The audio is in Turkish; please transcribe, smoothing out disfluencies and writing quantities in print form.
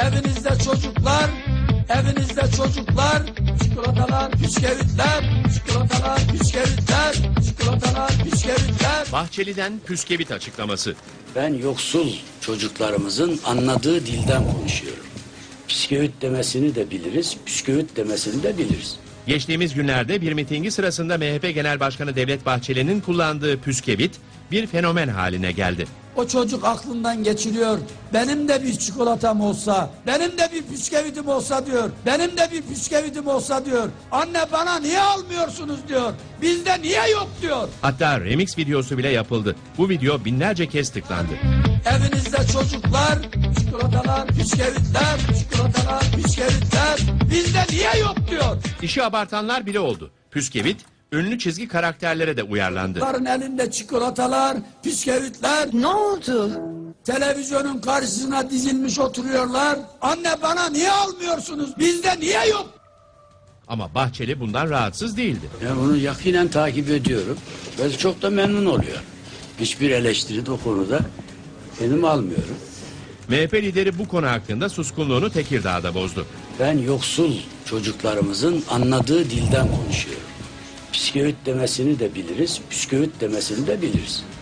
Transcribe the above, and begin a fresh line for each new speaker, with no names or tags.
Evinizde çocuklar, çikolatalar, bisküvitler, çikolatalar, bisküvitler, çikolatalar, bisküvitler.
Bahçeli'den püskevit açıklaması.
Ben yoksul çocuklarımızın anladığı dilden konuşuyorum. Bisküvit demesini de biliriz, bisküvit demesini de biliriz.
Geçtiğimiz günlerde bir mitingi sırasında MHP Genel Başkanı Devlet Bahçeli'nin kullandığı püskevit bir fenomen haline geldi.
O çocuk aklından geçiriyor. Benim de bir çikolatam olsa, benim de bir bisküvitim olsa diyor. Benim de bir bisküvitim olsa diyor. Anne bana niye almıyorsunuz diyor. Bizde niye yok diyor.
Hatta remix videosu bile yapıldı. Bu video binlerce kez tıklandı.
Evinizde çocuklar, çikolatalar, bisküvitler, çikolatalar, bisküvitler. Bizde niye yok diyor.
İşi abartanlar bile oldu. Püskevit ünlü çizgi karakterlere de uyarlandı.
Onların elinde çikolatalar, bisküvitler.
Ne oldu?
Televizyonun karşısına dizilmiş oturuyorlar. Anne bana niye almıyorsunuz? Bizde niye yok?
Ama Bahçeli bundan rahatsız değildi.
Ben bunu yakinen takip ediyorum ve çok da memnun oluyor. Hiçbir eleştiri de o konuda benim almıyorum.
MHP lideri bu konu hakkında suskunluğunu Tekirdağ'da bozdu.
Ben yoksul çocuklarımızın anladığı dilden konuşuyorum. Bisküvit demesini de biliriz, bisküvit demesini de biliriz.